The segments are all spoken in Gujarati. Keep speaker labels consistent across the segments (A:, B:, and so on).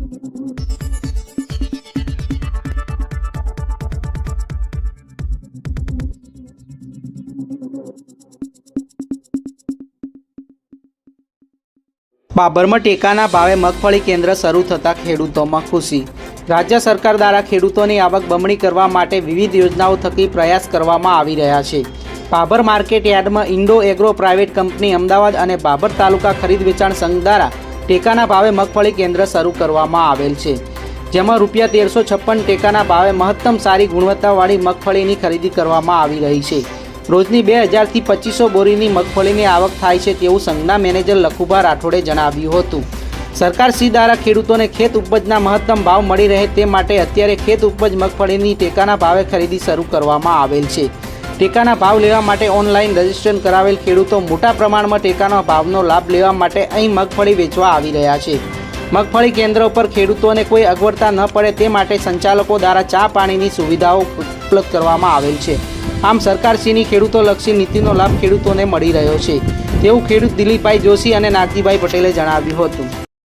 A: બાબરમાં ટેકાના ભાવે મગફળી કેન્દ્ર શરૂ થતાં ખેડૂતોમાં ખુશી। રાજ્ય સરકાર દ્વારા ખેડૂતોની આવક બમણી કરવા માટે વિવિધ યોજનાઓ થકી પ્રયાસ કરવામાં આવી રહ્યા છે। બાબર માર્કેટ યાર્ડમાં Indo Agro private company Ahmedabad અને બાબર તાલુકા ખરીદ વેચાણ સંઘ દ્વારા ટેકાના ભાવે મગફળી કેન્દ્ર શરૂ કરવામાં આવેલ છે, જેમાં ₹1356 ટેકાના ભાવે મહત્તમ સારી ગુણવત્તાવાળી મગફળીની ખરીદી કરવામાં આવી રહી છે। રોજની 2000 થી 2500 બોરીની મગફળીની આવક થાય છે તેવું સંઘના મેનેજર લખુભા રાઠોડે જણાવ્યું હતું। સરકાર શ્રી દ્વારા ખેડૂતોને ખેત ઉપજના મહત્તમ ભાવ મળી રહે તે માટે અત્યારે ખેત ઉપજ મગફળીની ટેકાના ભાવે ખરીદી શરૂ કરવામાં આવેલ છે। ટેકાના ભાવ લેવા માટે ઓનલાઈન રજીસ્ટ્રેશન કરાવેલ ખેડૂતો મોટા પ્રમાણમાં ટેકાના ભાવનો લાભ લેવા માટે અહીં મગફળી વેચવા આવી રહ્યા છે। મગફળી કેન્દ્ર ઉપર ખેડૂતોને કોઈ અગવડતા ન પડે તે માટે સંચાલકો દ્વારા ચા પાણીની સુવિધાઓ ઉપલબ્ધ કરવામાં આવેલ છે। આમ સરકારશ્રીની ખેડૂતોલક્ષી નીતિનો લાભ ખેડૂતોને મળી રહ્યો છે તેવું ખેડૂત દિલીપભાઈ જોશી અને નાગજીભાઈ પટેલે જણાવ્યું હતું।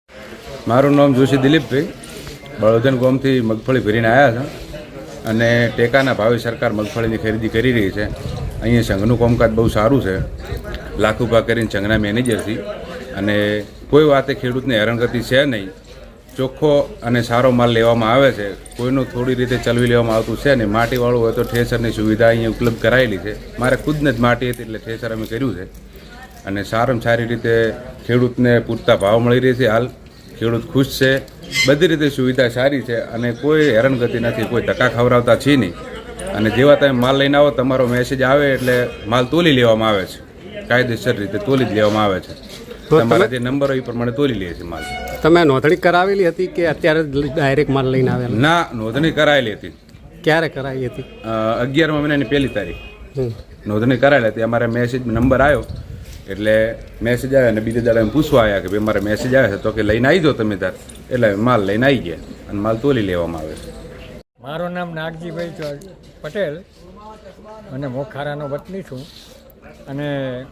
B: મારું નામ જોશી દિલીપભાઈ, બળોદન ગામથી મગફળી ભરીને આવ્યા છે અને ટેકાના ભાવે સરકાર મગફળીની ખરીદી કરી રહી છે। અહીંયા સંઘનું કામકાજ બહુ સારું છે, લાખુભા કરીને સંઘના મેનેજરથી, અને કોઈ વાતે ખેડૂતને હેરાનગતિ છે નહીં। ચોખ્ખો અને સારો માલ લેવામાં આવે છે, કોઈનું થોડી રીતે ચલવી લેવામાં આવતું છે નહીં। માટીવાળું હોય તો ઠેસરની સુવિધા અહીંયા ઉપલબ્ધ કરાયેલી છે। મારે ખુદને જ માટી હતી એટલે ઠેસર અમે કર્યું છે, અને સારામાં સારી રીતે ખેડૂતને પૂરતા ભાવ મળી રહે છે। હાલ ખેડૂત ખુશ છે, બધી રીતે સુવિધા સારી છે અને કોઈ હેરાનગતિ નથી, કોઈ ધક્કા ખવડાવતા છે નહીં। અને જેવા તમે માલ લઈને આવો તમારો મેસેજ આવે એટલે માલ તોલી લેવામાં આવે છે, કાયદેસર રીતે તોલી જ લેવામાં આવે છે। તમારા જે નંબર હોય એ પ્રમાણે તોલી લે છે માલ।
C: તમે નોંધણી કરાવેલી હતી કે અત્યારે ડાયરેક્ટ માલ લઈને આવેલા?
B: ના, નોંધણી કરાયેલી હતી।
C: ક્યારે કરાવી હતી?
B: 11મા મહિનાની 1લી તારીખ નોંધણી કરાયેલી હતી। અમારે મેસેજ નંબર આવ્યો એટલે મેસેજ આવ્યો અને બીજા દાડે પૂછવા આવ્યા કે ભાઈ મારે મેસેજ આવ્યો છે, તો કે લઈને આવી જાઓ તમે તાર, એટલે માલ લઈને આવી ગયા અને માલ તોલી લેવામાં આવે છે।
D: મારું નામ નાગજીભાઈ પટેલ અને મોખારાનો વતની છું, અને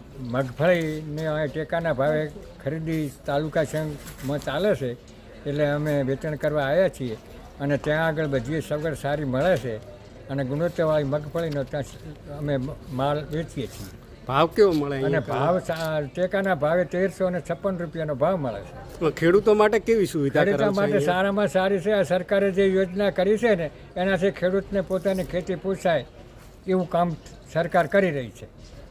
D: મગફળીને ટેકાના ભાવે ખરીદી તાલુકા સંઘમાં ચાલે છે એટલે અમે વેચાણ કરવા આવ્યા છીએ, અને ત્યાં આગળ બધી સગવડ સારી મળે છે અને ગુણવત્તાવાળી મગફળીનો ત્યાં અમે માલ વેચીએ છીએ।
C: ભાવ કેવો મળે?
D: અને ભાવ ટેકાના ભાવે ₹1356 ભાવ મળે છે।
C: ખેડૂતો માટે કેવી સુવિધા?
D: ખેડૂતો માટે સારામાં સારી છે। આ સરકારે જે યોજના કરી છે ને એનાથી ખેડૂતને પોતાની ખેતી પોસાય એવું કામ સરકાર કરી રહી છે।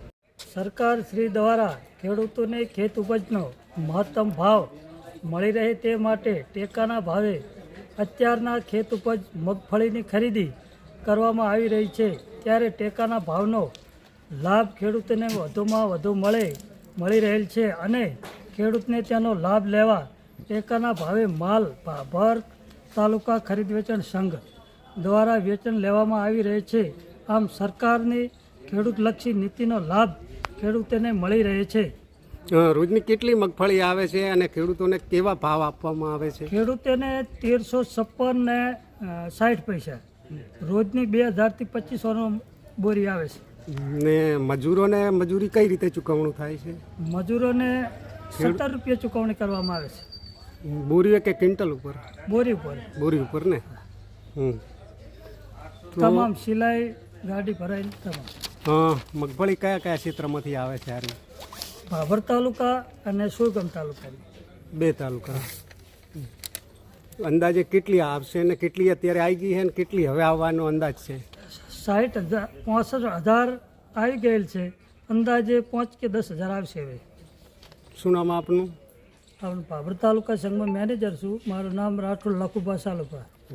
E: સરકાર શ્રી દ્વારા ખેડૂતોને ખેત ઉપજનો મહત્તમ ભાવ મળી રહે તે માટે ટેકાના ભાવે અત્યારના ખેત ઉપજ મગફળીની ખરીદી કરવામાં આવી રહી છે, ત્યારે ટેકાના ભાવનો લાભ ખેડૂતોને વધુમાં વધુ મળી રહેલ છે, અને ખેડૂતને તેનો લાભ લેવા ટેકાના ભાવે માલ બાબર તાલુકા ખરીદ વેચાણ સંઘ દ્વારા વેચાણ લેવામાં આવી રહે છે। આમ સરકારની ખેડૂતલક્ષી નીતિનો લાભ ખેડૂતોને મળી રહે છે।
C: રોજની કેટલી મગફળી આવે છે અને ખેડૂતોને કેવા ભાવ આપવામાં આવે છે?
E: ખેડૂતોને 1356 ને 60 પૈસા, રોજની 2000 થી 2500 બોરી આવે છે।
C: ને મજૂરોને મજૂરી કઈ રીતે ચૂકવણું થાય છે?
E: મજૂરોને ₹17 ચૂકવણી કરવામાં આવે છે।
C: બોરી કે ક્વિન્ટલ ઉપર?
E: બોરી ઉપર।
C: બોરી ઉપર ને?
E: તમામ સિલાઈ ગાડી ભરાયેલી તમામ।
C: મગફળી કયા કયા ક્ષેત્રમાંથી આવે છે?
E: બાબર તાલુકા અને સુરગામ તાલુકાની
C: 2 તાલુકા। અંદાજે કેટલી આવશે ને કેટલી અત્યારે આવી ગઈ છે ને કેટલી હવે આવવાનો અંદાજ છે?
E: 65,000 આવી ગયેલ છે, અંદાજે 5 કે 10,000 આવશે હવે।
C: શું નામ આપનું?
E: બાબર તાલુકા સંઘમાં મેનેજર છું, મારું નામ રાઠોડ લખુભા સાલુભા।